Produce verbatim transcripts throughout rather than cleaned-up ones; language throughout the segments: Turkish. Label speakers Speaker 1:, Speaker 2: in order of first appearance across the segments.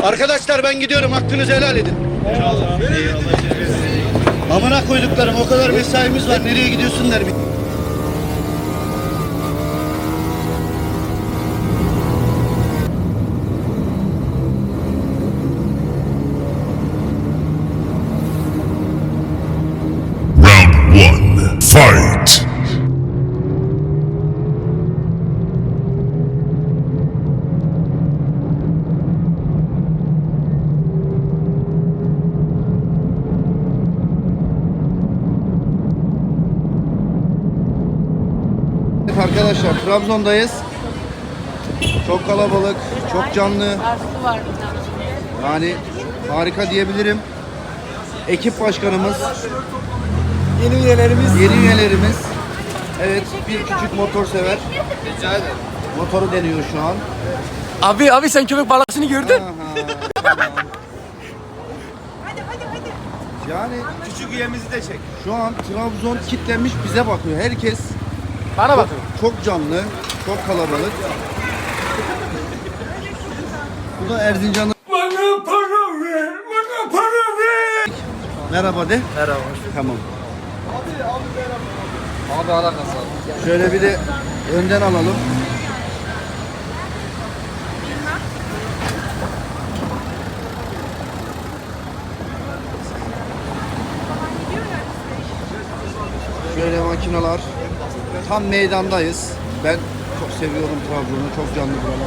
Speaker 1: Arkadaşlar ben gidiyorum, hakkınızı helal edin.
Speaker 2: Eyvallah.
Speaker 1: Amına koyduklarım, o kadar mesaimiz var, nereye gidiyorsun der.
Speaker 3: Round one, fight!
Speaker 1: Arkadaşlar Trabzon'dayız. Çok kalabalık, çok canlı. Yani harika diyebilirim. Ekip başkanımız,
Speaker 2: Yeni üyelerimiz.
Speaker 1: yeni üyelerimiz. Evet, bir küçük motor sever.
Speaker 2: Rica ederim.
Speaker 1: Motoru deniyor şu an.
Speaker 2: Abi abi sen köpek balasını gördün.
Speaker 1: Aha, tamam. Yani
Speaker 2: Küçük üyemizi de çek.
Speaker 1: şu an Trabzon kitlenmiş bize bakıyor. Herkes
Speaker 2: Bana bak.
Speaker 1: çok canlı, çok kalabalık. Bu da Erzincan'ın...
Speaker 2: Bana para ver, bana para ver.
Speaker 1: Merhaba de.
Speaker 2: Merhaba.
Speaker 1: Tamam.
Speaker 2: Abi alakası abi.
Speaker 1: Şöyle bir de önden alalım. Şöyle makineler. Tam meydandayız. Ben çok seviyorum Trabzon'u. Çok canlı buralar.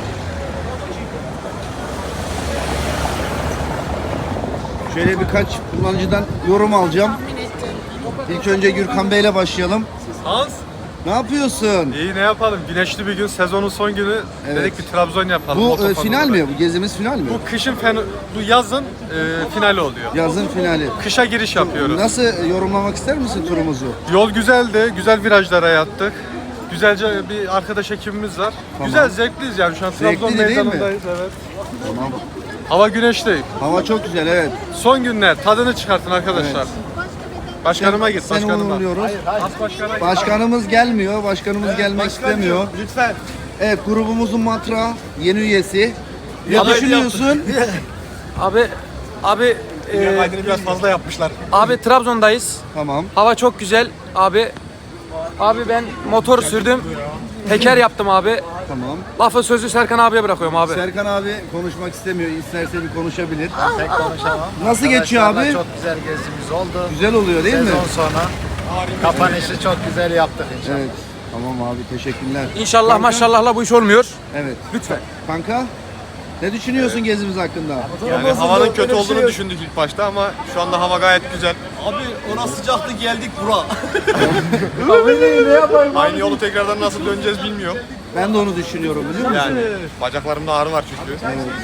Speaker 1: Şöyle birkaç kullanıcıdan yorum alacağım. İlk önce Gürkan Bey'le başlayalım.
Speaker 4: Hans,
Speaker 1: Ne yapıyorsun?
Speaker 4: iyi ne yapalım? Güneşli bir gün, sezonun son günü
Speaker 1: Evet.
Speaker 4: dedik bir Trabzon yapalım.
Speaker 1: Bu
Speaker 4: Motofan
Speaker 1: e, final
Speaker 4: olarak.
Speaker 1: mi? Bu gezimiz final mi?
Speaker 4: Bu kışın fen, bu yazın e, finali oluyor.
Speaker 1: Yazın finali.
Speaker 4: Kışa giriş yapıyoruz.
Speaker 1: Nasıl yorumlamak ister misin turumuzu?
Speaker 4: Yol güzeldi, güzel virajlara yattık. Güzelce bir arkadaş ekibimiz var. Güzel, zevkliyiz yani şu an Trabzon
Speaker 1: Zevkliydi değil mi?
Speaker 4: meydanındayız. Evet.
Speaker 1: Tamam.
Speaker 4: Hava güneşli.
Speaker 1: Hava çok güzel, evet.
Speaker 4: Son günler, tadını çıkartın arkadaşlar.
Speaker 1: Evet.
Speaker 4: Başkanıma git,
Speaker 1: Seni
Speaker 4: başkanıma.
Speaker 1: uğurluyoruz.
Speaker 4: As başkana git.
Speaker 1: Başkanımız gelmiyor, başkanımız gelmek istemiyor.
Speaker 4: Lütfen.
Speaker 1: Evet, grubumuzun matrağı, yeni üyesi. Ne
Speaker 4: Aday
Speaker 1: düşünüyorsun?
Speaker 2: Abi abi e,
Speaker 4: Kaydını biraz fazla yapmışlar.
Speaker 2: abi Trabzon'dayız.
Speaker 1: Tamam,
Speaker 2: Hava çok güzel abi. Abi ben motor sürdüm. Teker yaptım abi.
Speaker 1: tamam.
Speaker 2: Lafı sözü Serkan abiye bırakıyorum abi.
Speaker 1: Serkan abi konuşmak istemiyor, isterse bir konuşabilir.
Speaker 5: Pek konuşamam.
Speaker 1: Nasıl geçiyor abi?
Speaker 5: Arkadaşlarla Çok güzel gezimiz oldu.
Speaker 1: Güzel oluyor değil mi?
Speaker 5: Sezon sonu kapanışı çok güzel yaptık inşallah.
Speaker 1: Evet. Tamam abi, teşekkürler.
Speaker 2: İnşallah
Speaker 1: Kanka?
Speaker 2: maşallahla bu iş olmuyor.
Speaker 1: Evet.
Speaker 2: Lütfen.
Speaker 1: Kanka, ne düşünüyorsun gezimiz hakkında?
Speaker 4: Yani havanın kötü olduğunu düşündük ilk başta ama şu anda hava gayet güzel.
Speaker 6: Abi ona sıcaktı geldik bura.
Speaker 4: Aynı yolu tekrardan nasıl döneceğiz bilmiyorum.
Speaker 1: Ben de onu düşünüyorum, biliyor musun?
Speaker 4: Yani bacaklarımda ağrı var çünkü.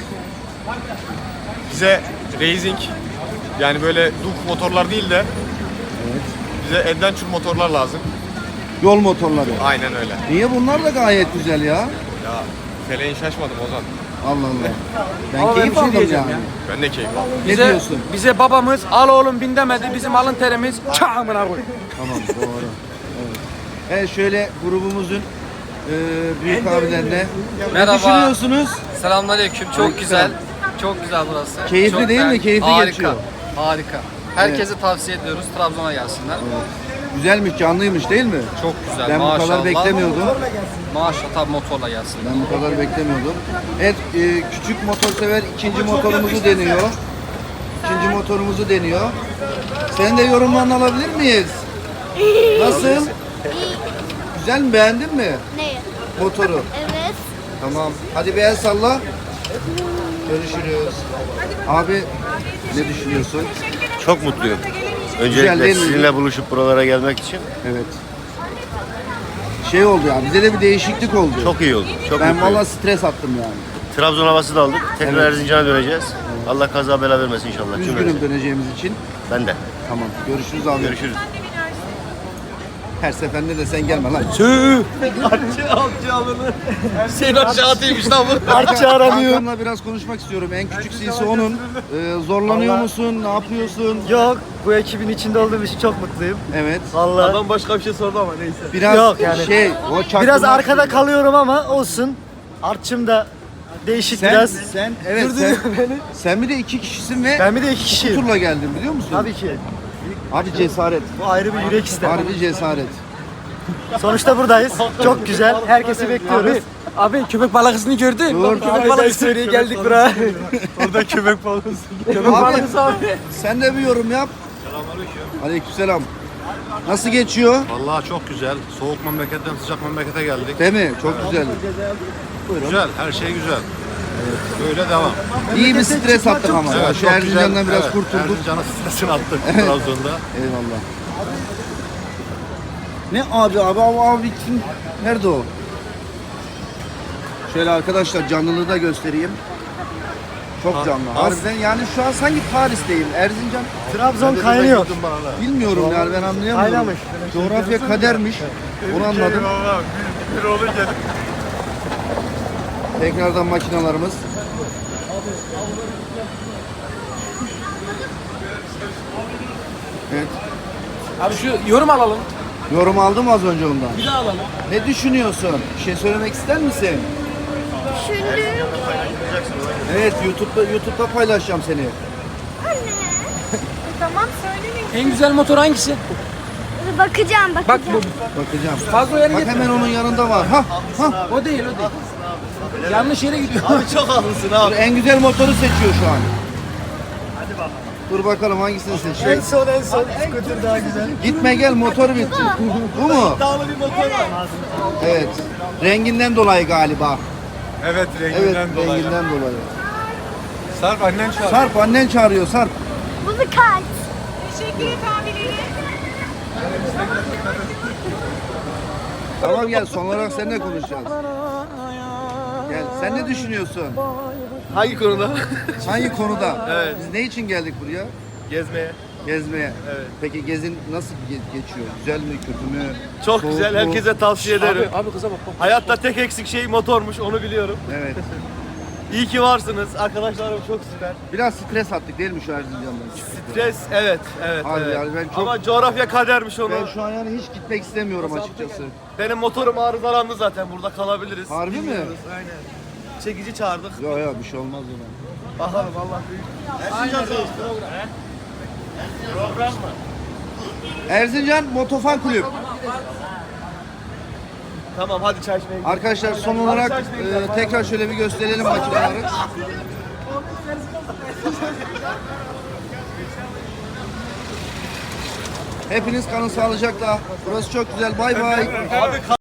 Speaker 4: Bize racing yani böyle duk motorlar değil de bize adventure motorlar lazım.
Speaker 1: Yol motorları.
Speaker 4: Aynen öyle.
Speaker 1: Niye bunlar da gayet güzel ya?
Speaker 4: Ya feleğin şaşmadım Ozan.
Speaker 1: Allah Allah. Ben
Speaker 2: Ama ben
Speaker 1: keyif
Speaker 2: bir şey
Speaker 1: aldım
Speaker 2: diyeceğim
Speaker 1: yani.
Speaker 2: ya.
Speaker 4: Ben de keyif aldım.
Speaker 1: Ne
Speaker 2: Bize,
Speaker 1: diyorsun?
Speaker 2: bize babamız al oğlum bin demedi. Bizim alın terimiz çağımına koy.
Speaker 1: Tamam, doğru. Evet. Evet, şöyle grubumuzun e, büyük abilerine
Speaker 7: Merhaba.
Speaker 1: ne düşünüyorsunuz?
Speaker 7: Selamünaleyküm. Çok
Speaker 1: Aleyküm
Speaker 7: güzel.
Speaker 1: selam.
Speaker 7: Çok güzel burası.
Speaker 1: Keyifli
Speaker 7: Çok
Speaker 1: değil mi?
Speaker 7: beğendim.
Speaker 1: Keyifli
Speaker 7: Harika.
Speaker 1: geçiyor.
Speaker 7: Harika. Herkese tavsiye ediyoruz. Trabzon'a gelsinler.
Speaker 1: Güzelmiş, canlıymış değil mi?
Speaker 7: Çok güzel.
Speaker 1: Ben
Speaker 7: maşallah.
Speaker 1: bu kadar beklemiyordum.
Speaker 7: Maşallah tabii motorla gelsinler.
Speaker 1: Ben bu kadar beklemiyordum. Evet, e, küçük motor sever ikinci motorumuzu deniyor. İkinci motorumuzu deniyor. Senin de yorumlarını alabilir miyiz? Nasıl? Güzel mi? Beğendin mi
Speaker 8: Neyi?
Speaker 1: motoru?
Speaker 8: Evet.
Speaker 1: Tamam. Hadi bir el salla. Görüşürüz. Abi ne düşünüyorsun?
Speaker 9: Çok mutluyum.
Speaker 1: Güzel
Speaker 9: Öncelikle
Speaker 1: değil mi?
Speaker 9: sizinle buluşup buralara gelmek için
Speaker 1: Evet. Şey oldu ya, bize de bir değişiklik oldu.
Speaker 9: çok iyi oldu. Çok
Speaker 1: Ben
Speaker 9: mutluyum.
Speaker 1: valla stres attım yani.
Speaker 9: Trabzon havası da aldık. Tekrar
Speaker 1: Evet.
Speaker 9: Erzincan'a döneceğiz. Allah kaza bela vermesin inşallah.
Speaker 1: Üzgünüm
Speaker 9: Cümlemize.
Speaker 1: döneceğimiz için.
Speaker 9: Ben de.
Speaker 1: Tamam. Görüşürüz abi.
Speaker 9: Görüşürüz.
Speaker 1: Her seferinde de sen gelme lan.
Speaker 6: Sen aşağı ataymış lan bu.
Speaker 1: Hakan'la biraz konuşmak istiyorum. En küçük C C onun. Ee, zorlanıyor musun? Ne yapıyorsun?
Speaker 5: Yok, bu ekibin içinde olduğum için çok mutluyum.
Speaker 1: Evet.
Speaker 5: Vallahi
Speaker 6: Adam başka bir şey sordu ama neyse.
Speaker 1: Biraz
Speaker 5: Yok yani.
Speaker 1: şey, o çaktırmak
Speaker 5: biraz arkada
Speaker 1: istiyor.
Speaker 5: kalıyorum ama olsun. Artçım da değişik
Speaker 1: Sen,
Speaker 5: biraz.
Speaker 1: sen evet sen, sen bir de iki kişisin ve
Speaker 5: Ben bir de iki kişiyim.
Speaker 1: turla geldin biliyor musun?
Speaker 5: Tabii ki.
Speaker 1: Abi cesaret.
Speaker 5: Bu ayrı bir yürek ister.
Speaker 1: Harbi cesaret.
Speaker 5: Sonuçta buradayız. Çok güzel. Herkesi bekliyoruz.
Speaker 2: Abi, abi köpek balıkçısını gördün.
Speaker 1: Dur,
Speaker 2: Köpek
Speaker 1: abi,
Speaker 2: balıkçısı söyleye geldik buraya.
Speaker 4: Orada köpek balığı.
Speaker 2: Köpek
Speaker 1: Abi,
Speaker 2: balıkçısı abi.
Speaker 1: sen de bir yorum yap. Aleykümselam. Nasıl geçiyor?
Speaker 8: Vallahi çok güzel. Soğuk memleketten sıcak memlekete geldik.
Speaker 1: Değil mi? Çok güzel.
Speaker 8: Güzel, her şey güzel. Böyle devam.
Speaker 1: İyi bir stres attık ama. ya. Şu
Speaker 8: çok
Speaker 1: Erzincan'dan biraz
Speaker 8: Evet,
Speaker 1: kurtulduk.
Speaker 8: Erzincan'ın stresini attık Trabzon'da.
Speaker 1: Eyvallah. Ne abi abi abi abi kim? Nerede o? Şöyle arkadaşlar canlılığı da göstereyim. Çok canlı. Harbiden yani şu an sanki Paris'teyim. Erzincan
Speaker 5: Trabzon kaynıyor.
Speaker 1: bilmiyorum yani ben anlayamıyorum.
Speaker 5: Kaynamış.
Speaker 1: Coğrafya kadermiş. Onu anladım.
Speaker 4: Bir olur gelip.
Speaker 1: Tekrardan makinalarımız. Evet.
Speaker 2: Abi şu yorum alalım.
Speaker 1: Yorum aldım az önce ondan.
Speaker 2: Bir daha alalım.
Speaker 1: Ne düşünüyorsun? Bir şey söylemek ister misin?
Speaker 10: Düşündüm.
Speaker 1: Evet, YouTube'da YouTube'da paylaşacağım seni.
Speaker 10: Tamam söylemeyin.
Speaker 2: En güzel motor hangisi?
Speaker 10: Bakacağım
Speaker 2: Bak
Speaker 10: bakacağım.
Speaker 2: bu.
Speaker 1: Bakacağım.
Speaker 2: Fazla yere
Speaker 1: Bak
Speaker 2: gitme.
Speaker 1: hemen onun yanında var. Ha, ha.
Speaker 2: O değil o değil. Yanlış yere gidiyor.
Speaker 6: Abi çok haklısın abi.
Speaker 1: En güzel motoru seçiyor şu an. Dur bakalım hangisini
Speaker 5: En
Speaker 1: seçiyor.
Speaker 5: son en son. Scooter daha güzel.
Speaker 1: Gitme gel motor bitti. Bu mu?
Speaker 6: Dağlı bir motor var.
Speaker 1: Evet. Renginden dolayı galiba.
Speaker 4: Evet
Speaker 1: Evet,
Speaker 4: renginden dolayı.
Speaker 1: renginden dolayı.
Speaker 4: Sarp annen çağır.
Speaker 1: Sarp annen çağırıyor Sarp.
Speaker 10: Bu bir kart. Teşekkür et abileri.
Speaker 1: Tamam gel son olarak seninle konuşacağız. Gel sen ne düşünüyorsun?
Speaker 6: Hangi konuda?
Speaker 1: Hangi konuda?
Speaker 6: Evet.
Speaker 1: Biz ne için geldik buraya?
Speaker 6: Gezmeye.
Speaker 1: Gezmeye.
Speaker 6: Evet.
Speaker 1: Peki gezin nasıl ge- geçiyor? Güzel mi, kötü mü?
Speaker 6: Çok
Speaker 1: Soğuk
Speaker 6: güzel.
Speaker 1: mu?
Speaker 6: Herkese tavsiye ederim.
Speaker 2: Abi, abi kıza bak. bak.
Speaker 6: Hayatta tek eksik şey motormuş. Onu biliyorum.
Speaker 1: Evet.
Speaker 6: İyi ki varsınız. Arkadaşlarım çok süper.
Speaker 1: Biraz stres attık değil mi şu Erzincan'dan?
Speaker 6: Stres evet. Evet.
Speaker 1: Abi
Speaker 6: evet.
Speaker 1: yani ben çok-
Speaker 6: Ama coğrafya kadermiş onu.
Speaker 1: Ben şu an yani hiç gitmek istemiyorum açıkçası.
Speaker 6: Benim motorum arızalandı zaten. Burada kalabiliriz.
Speaker 1: Harbi mi?
Speaker 6: Bilmiyoruz, aynen. Çekici çağırdık.
Speaker 1: Yok yok bir şey olmaz ona.
Speaker 6: Bakalım Allah büyük.
Speaker 1: Erzincan Motofan Kulüp.
Speaker 6: Tamam hadi çay içmeye gidelim.
Speaker 1: Arkadaşlar son olarak e, tekrar şöyle bir gösterelim makineleri. Hepiniz kalın sağlıcakla. Burası çok güzel. Bay bay.
Speaker 6: Abi